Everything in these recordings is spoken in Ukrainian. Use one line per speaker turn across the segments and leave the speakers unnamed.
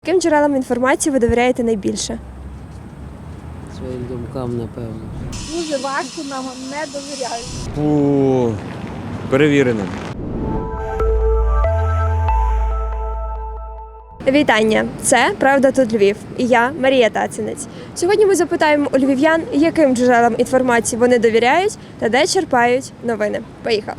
Яким джерелам інформації ви довіряєте найбільше?
Своїм думкам, напевно.
Дуже важко, нам не довіряють.
Перевіреним.
Вітання! Це «Правда тут Львів» і я, Марія Тацинець. Сьогодні ми запитаємо у львів'ян, яким джерелам інформації вони довіряють та де черпають новини. Поїхали!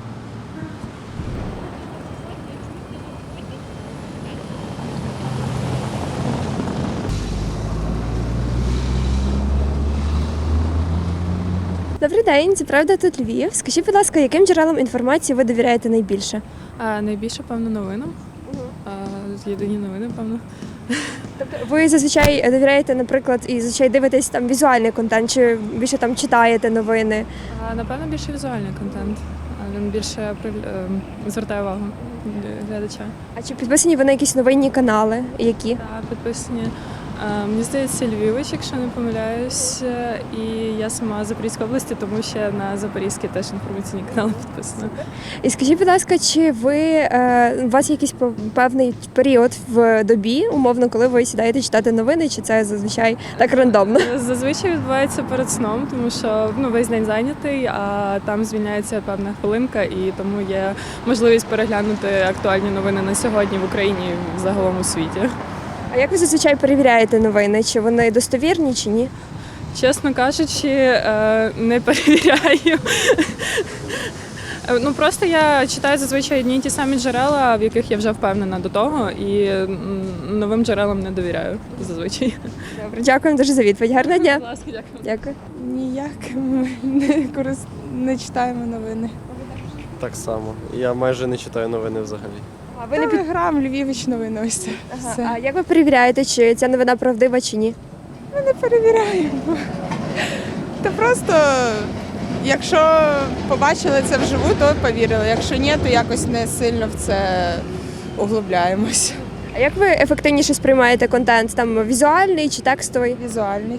Добрий день, це «Правда тут Львів». Скажіть, будь ласка, яким джерелам інформації ви довіряєте найбільше?
Найбільше, певно, новинам. Єдині новини, певно.
Тобто ви зазвичай довіряєте, наприклад, і зазвичай дивитесь там візуальний контент, чи більше там читаєте новини?
Напевно, більше візуальний контент. Він більше звертає увагу глядача.
А чи підписані ви на якісь новинні канали? Які?
Підписані. Мені здається, Львівич, якщо не помиляюсь. І я сама з Запорізької області, тому ще на Запорізький теж інформаційні канали підписана.
І скажіть, будь ласка, чи у вас є якийсь певний період в добі, умовно, коли ви сідаєте читати новини, чи це зазвичай так рандомно?
Зазвичай відбувається перед сном, тому що весь день зайнятий, а там звільняється певна хвилинка, і тому є можливість переглянути актуальні новини на сьогодні в Україні і загалом у світі.
А як ви зазвичай перевіряєте новини? Чи вони достовірні, чи ні?
Чесно кажучи, не перевіряю. Просто я читаю зазвичай одні й ті самі джерела, в яких я вже впевнена до того, і новим джерелам не довіряю зазвичай.
Добре, дякую дуже за відповідь. Гарного дня.
Будь ласка, дякую.
Дякую.
Ніяк ми не читаємо новини.
Так само. Я майже не читаю новини взагалі.
А ви не під...
Телеграм, Львівич, новини, ось це.
Ага.
Все.
А як ви перевіряєте, чи ця новина правдива, чи ні?
Ми не перевіряємо. Та просто, якщо побачили це вживу, то повірили. Якщо ні, то якось не сильно в це углубляємось.
А як ви ефективніше сприймаєте контент? Там візуальний чи текстовий?
Візуальний.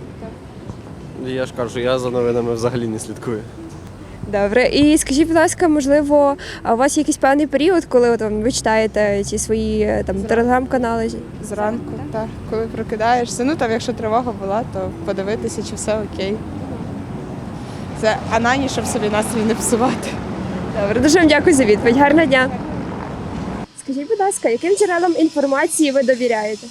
Я ж кажу, я за новинами взагалі не слідкую.
Добре. І скажіть, будь ласка, можливо, а у вас є якийсь певний період, коли ви читаєте ці свої телеграм-канали?
Зранку, так. Коли прокидаєшся, якщо тривога була, то подивитися, чи все окей. Це анані, щоб собі настрій не псувати.
Добре, дуже вам дякую за відповідь. Гарного дня. Скажіть, будь ласка, яким джерелам інформації ви довіряєте?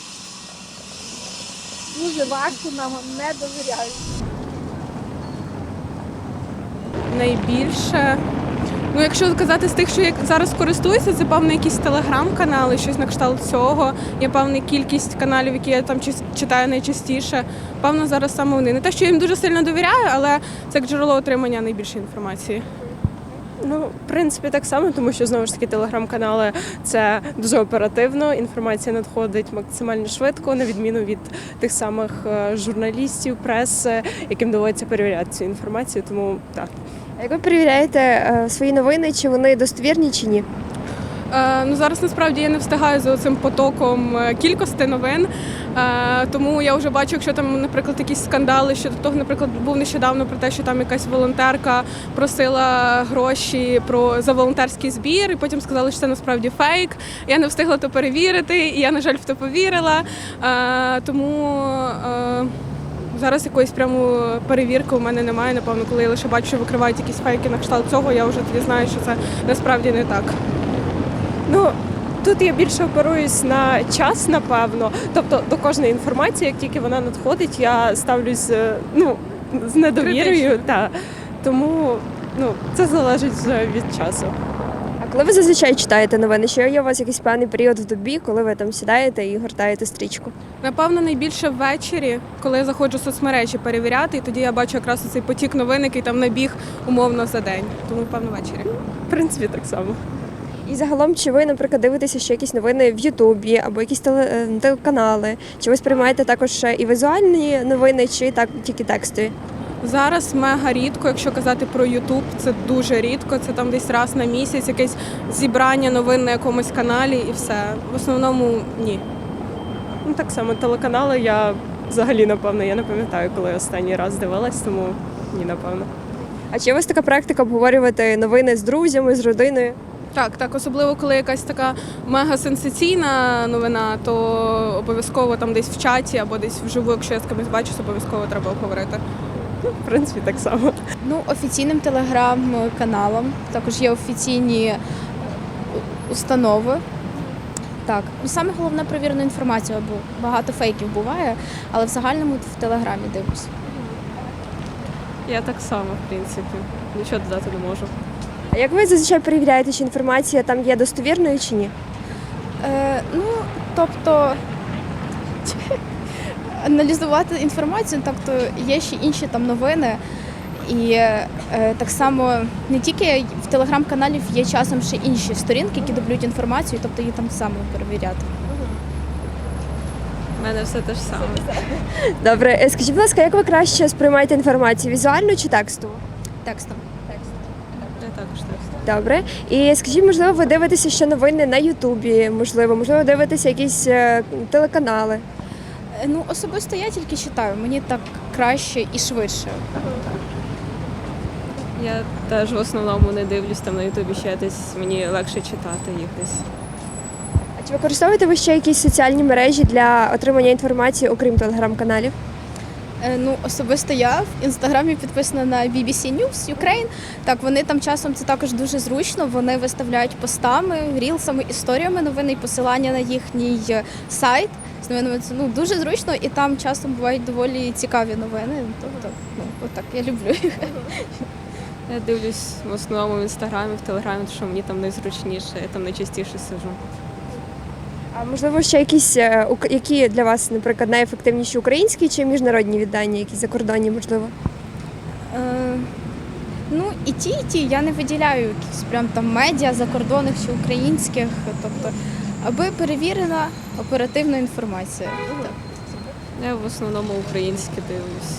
Дуже важко, нам не довіряють.
Найбільше. Якщо казати з тих, що я зараз користуюся, це певно якісь телеграм-канали, щось на кшталт цього. Є певна кількість каналів, які я там читаю найчастіше. Певно, зараз саме вони. Не те, що я їм дуже сильно довіряю, але це як джерело отримання найбільшої інформації.
В принципі, так само, тому що, знову ж таки, телеграм-канали – це дуже оперативно, інформація надходить максимально швидко, на відміну від тих самих журналістів, преси, яким доводиться перевіряти цю інформацію, тому так.
А як ви перевіряєте свої новини, чи вони достовірні, чи ні?
Зараз, насправді, я не встигаю за цим потоком кількості новин, тому я вже бачу, якщо там, наприклад, якісь скандали щодо того, наприклад, був нещодавно про те, що там якась волонтерка просила гроші за волонтерський збір, і потім сказали, що це насправді фейк. Я не встигла то перевірити, і я, на жаль, в то повірила, тому зараз якоїсь прямо перевірки у мене немає, напевно, коли я лише бачу, що викривають якісь фейки на кшталт цього, я вже тоді знаю, що це насправді не так.
Тут я більше оперуюсь на час, напевно. Тобто до кожної інформації, як тільки вона надходить, я ставлюсь з недовірою. Тому це залежить вже від часу.
А коли ви зазвичай читаєте новини? Чи є у вас якийсь певний період в добі, коли ви там сідаєте і гортаєте стрічку?
Напевно, найбільше ввечері, коли я заходжу в соцмережі перевіряти, і тоді я бачу якраз цей потік новин, який там набіг умовно за день. Тому, напевно, ввечері.
В принципі, так само.
І загалом, чи ви, наприклад, дивитеся ще якісь новини в Ютубі або якісь телеканали? Чи ви сприймаєте також ще і візуальні новини, чи так тільки текстові?
Зараз мега рідко, якщо казати про Ютуб, це дуже рідко, це там десь раз на місяць, якесь зібрання новин на якомусь каналі і все. В основному ні.
Так само телеканали я взагалі, напевно, я не пам'ятаю, коли останній раз дивилась, тому ні, напевно.
А чи у вас така практика обговорювати новини з друзями, з родиною?
Так, особливо коли якась така мега сенсаційна новина, то обов'язково там десь в чаті або десь вживу, якщо я з кимось бачусь, обов'язково треба обговорити.
В принципі, так само.
Ну, офіційним телеграм-каналом, також є офіційні установи. Так, ну саме головне перевірену інформацію, бо багато фейків буває, але в загальному в телеграмі дивлюсь.
Я так само, в принципі. Нічого додати не можу.
А як ви зазвичай перевіряєте, чи інформація там є достовірною чи ні?
Ну, тобто аналізувати інформацію, тобто є ще інші там новини. І так само не тільки в телеграм-каналів є часом ще інші сторінки, які дублюють інформацію, тобто її там саме перевіряти.
У мене все те ж саме.
Добре, скажіть, будь ласка, як ви краще сприймаєте інформацію, візуально чи текстово?
Текстом.
Я також так.
Добре. І скажіть, можливо, ви дивитеся ще новини на Ютубі, можливо, дивитеся якісь телеканали.
Ну, особисто я тільки читаю, мені так краще і швидше.
Я теж в основному не дивлюсь там на Ютубі ще десь, мені легше читати їх десь.
А чи використовуєте ви ще якісь соціальні мережі для отримання інформації, окрім телеграм-каналів?
Ну, особисто я в інстаграмі підписана на BBC News Ukraine. Так, вони там часом це також дуже зручно. Вони виставляють постами, рілсами, історіями новини і посилання на їхній сайт з новинами. Це дуже зручно, і там часом бувають доволі цікаві новини. Тобто, отак, я люблю їх.
Я дивлюсь в основному в інстаграмі, в телеграмі, тому що мені там найзручніше, я там найчастіше сижу.
А можливо, ще якісь, які для вас, наприклад, найефективніші українські чи міжнародні видання, якісь закордонні, можливо?
Ну, і ті, я не виділяю якісь прям там медіа закордонних чи українських, тобто, аби перевірена оперативна інформація. Так.
Я в основному українське дивлюсь.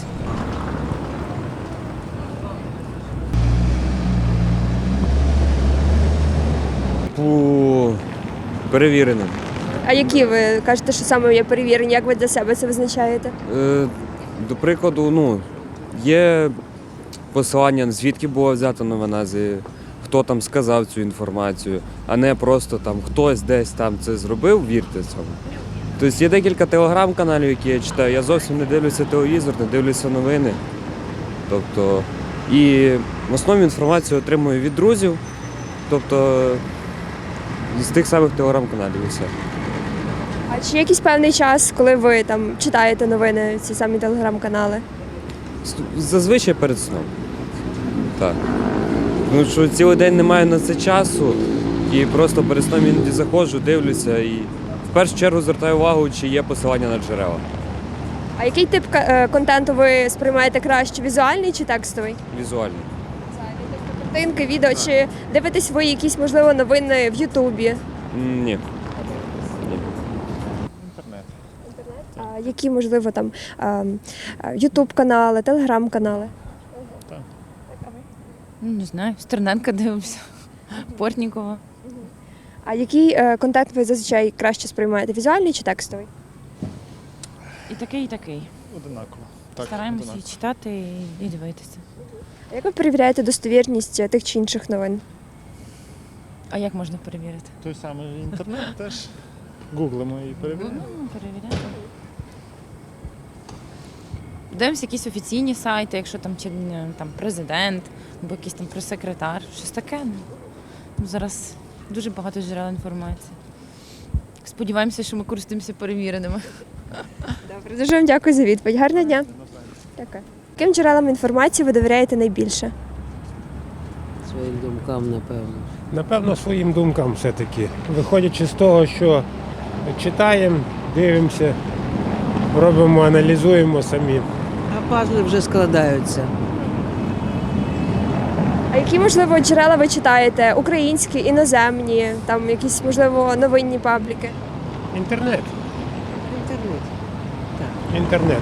Перевіреним.
А які ви кажете, що саме є перевірені? Як ви для себе це визначаєте?
До прикладу, є посилання, звідки була взята новина, хто там сказав цю інформацію, а не просто там хтось десь там це зробив, вірте цьому. Тобто є декілька телеграм-каналів, які я читаю. Я зовсім не дивлюся телевізор, не дивлюся новини. Тобто, і в основному інформацію отримую від друзів, тобто з тих самих телеграм-каналів і все.
А чи є якийсь певний час, коли ви там читаєте новини, ці самі телеграм-канали?
Зазвичай перед сном. Так. Ну що цілий день немає на це часу і просто перед сном іноді заходжу, дивлюся і в першу чергу звертаю увагу, чи є посилання на джерела.
А який тип контенту ви сприймаєте краще? Візуальний чи текстовий?
Візуально.
Картинки, відео, чи дивитесь ви якісь, можливо, новини в Ютубі?
Ні.
А які, можливо, там Ютуб-канали, телеграм-канали?
Не знаю, Стерненка дивимося, Портнікова.
А який контент ви зазвичай краще сприймаєте? Візуальний чи текстовий?
І такий, і такий.
Одинаково.
Стараємося і читати, і дивитися.
А як ви перевіряєте достовірність тих чи інших новин?
А як можна перевірити?
Той самий інтернет теж гуглимо і перевіряємо.
Перевіряємо. Дивимося якісь офіційні сайти, якщо там чи там президент, або якийсь там прес-секретар, щось таке. Ну, зараз дуже багато джерел інформації. Сподіваємося, що ми користуємося перевіреними.
Добре, дуже вам дякую за відповідь. Гарного дня. Дякую. Яким джерелам інформації ви довіряєте найбільше?
Своїм думкам, напевно.
Напевно, своїм думкам все-таки. Виходячи з того, що читаємо, дивимося, робимо, аналізуємо самі.
А пазли вже складаються.
А які, можливо, джерела ви читаєте? Українські, іноземні, там якісь, можливо, новинні пабліки?
Інтернет.
Інтернет.
Інтернет.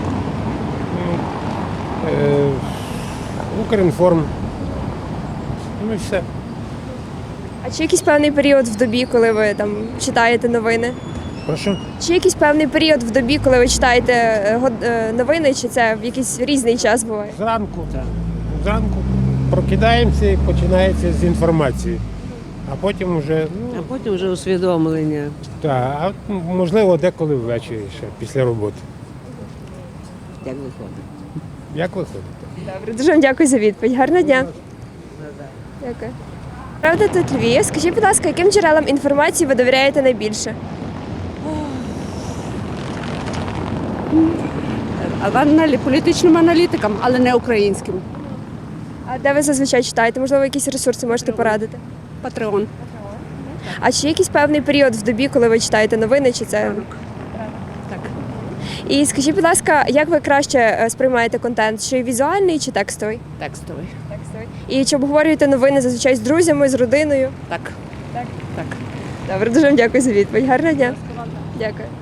Укрінформ. Ну і все.
А чи якийсь певний період в добі, коли ви там читаєте новини?
Прошу?
Чи якийсь певний період в добі, коли ви читаєте новини, чи це в якийсь різний час буває?
Зранку. Зранку прокидаємося і починається з інформації. а потім вже,
А потім вже усвідомлення.
а можливо, деколи ввечері ще після роботи.
Як виходить?
Як виходить?
Добре, дуже вам дякую за відповідь. Гарного дня. Дякую. Правда, тут Львів. Скажіть, будь ласка, яким джерелам інформації ви довіряєте найбільше?
Політичним аналітикам, але не українським.
А де ви зазвичай читаєте? Можливо, якісь ресурси можете порадити?
Патреон.
А чи є якийсь певний період в добі, коли ви читаєте новини, чи це?
Так.
І скажіть, будь ласка, як ви краще сприймаєте контент? Чи візуальний, чи текстовий?
Текстовий.
І чи обговорюєте новини зазвичай з друзями, з родиною?
Так.
Добре, дуже вам дякую за відповідь. Гарного дня. Дякую.